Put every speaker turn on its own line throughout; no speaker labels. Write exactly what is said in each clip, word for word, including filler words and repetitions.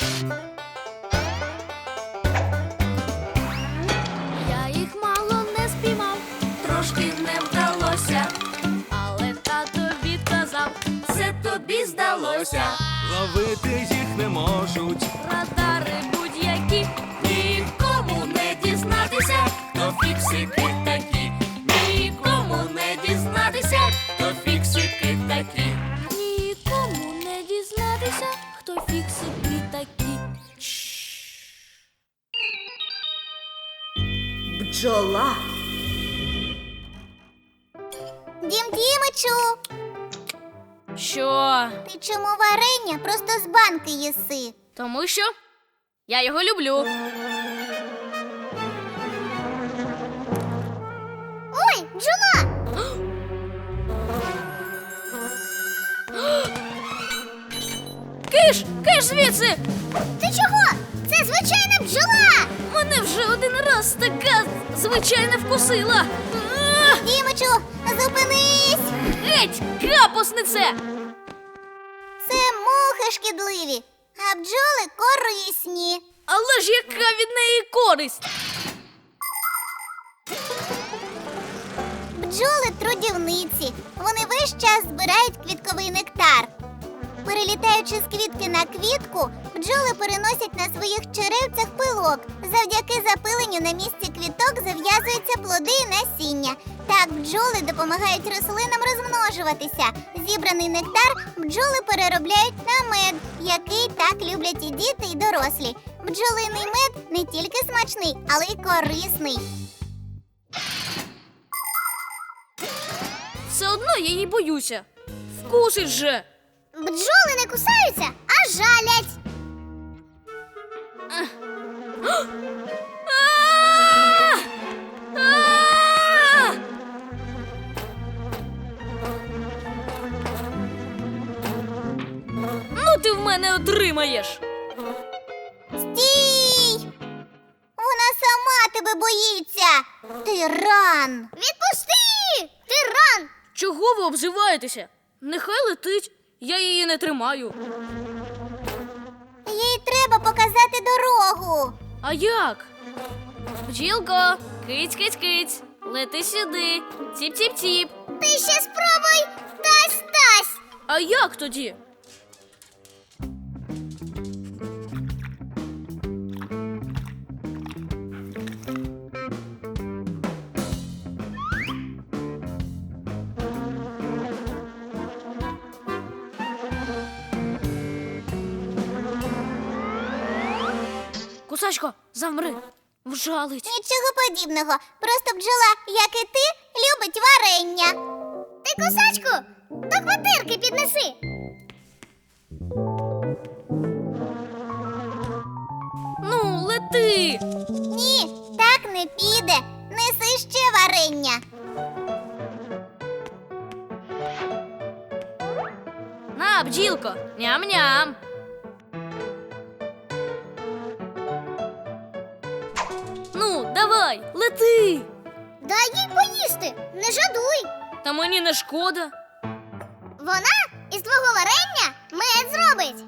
Я їх мало не спіймав, трошки не вдалося, але тато відказав, це тобі здалося.
Ловити їх не можуть.
Радари будь-які, нікому не дізнатися, хто фіксики такі. Нікому не дізнатися, хто фіксики такі. Нікому не дізнатися, хто фіксики такі.
Бджола.
Дім Дімичу,
Що?
ти чому варення просто з банки їси?
Тому що я його люблю.
Ой, бджола!
Киш! Киш звідси!
Ти чого? Це звичайна бджола!
Мене вже один раз така звичайна вкусила. А!
Дімичу, зупинись!
Геть, капуснице!
Це мухи шкідливі, а бджоли корисні.
Але ж яка від неї користь?
Бджоли трудівниці. Вони весь час збирають квітковий нектар. Перелітаючи з квітки на квітку, бджоли переносять на своїх черевцях пилок. Завдяки запиленню на місці квіток зав'язуються плоди і насіння. Так бджоли допомагають рослинам розмножуватися. Зібраний нектар бджоли переробляють на мед, який так люблять і діти, і дорослі. Бджолиний мед не тільки смачний, але й корисний.
Все одно я її боюся. Вкусить же.
Бджоли не кусаються, а жалять.
А! А! Ну ти в мене отримаєш.
Стій! Вона сама тебе боїться. Тиран! Відпусти! Тиран!
Чого ви обзиваєтеся? Нехай летить, я її не тримаю.
Їй треба показати дорогу.
А як? Бджілко, киць-киць-киць, лети сюди, ціп-ціп-ціп.
Ти ще спробуй тась-тась.
А як тоді? Кусачко, замри, вжалить.
Нічого подібного. Просто бджола, як і ти, любить варення. Ти, кусачку, до квартирки піднеси.
Ну, лети.
Ні, так не піде. Неси ще варення.
На, бджілко, ням-ням. Ну, давай, лети.
Дай їй поїсти, не жадуй.
Та мені не шкода.
Вона із твого варення мед зробить.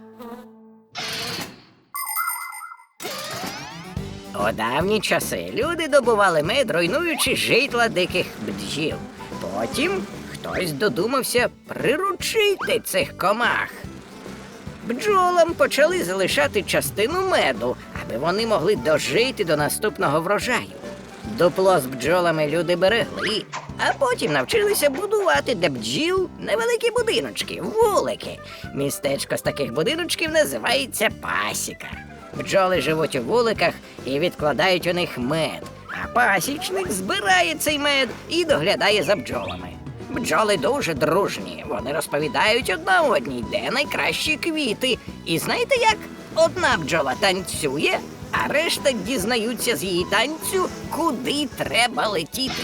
У давні часи люди добували мед, руйнуючи житла диких бджіл. Потім хтось додумався приручити цих комах. Бджолам почали залишати частину меду, аби вони могли дожити до наступного врожаю. Дупло з бджолами люди берегли, а потім навчилися будувати для бджіл невеликі будиночки, вулики. Містечко з таких будиночків називається пасіка. Бджоли живуть у вуликах і відкладають у них мед, а пасічник збирає цей мед і доглядає за бджолами. Бджоли дуже дружні, вони розповідають одна одній, де найкращі квіти. І знаєте як? Одна бджола танцює, а решта дізнаються з її танцю, куди треба летіти.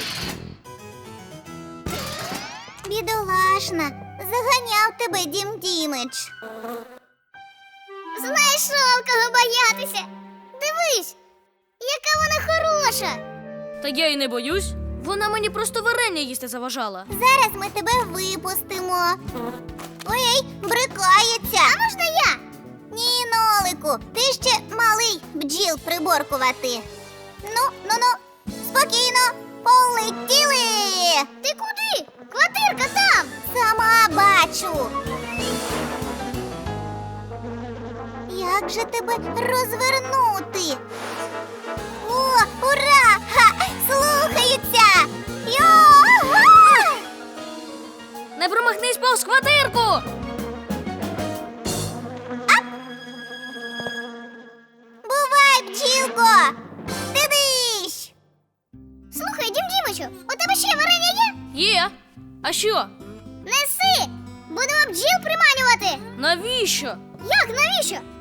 Бідолашна, заганяв тебе Дім Дімич. Знайшов кого боятися. Дивись, яка вона хороша.
Та я й не боюсь. Вона мені просто варення їсти заважала.
Зараз ми тебе випустимо. Ой, брикається. А можна я? Ні, Нолику, Дімчику, ти ще малий бджіл приборкувати. Ну, ну, ну, спокійно, полетіли. Ти куди? Квартирка там. Сама бачу. Як же тебе розвернути? О, ура! Ха! Слухаються! Йо-га!
Не промахнись повз квартирку!
Бувай, бджілко! Дидищ! Слухай, Дім Дімичу, у тебе ще варення є?
Є. А що?
Неси! Будемо бджіл приманювати!
Навіщо?
Як, навіщо?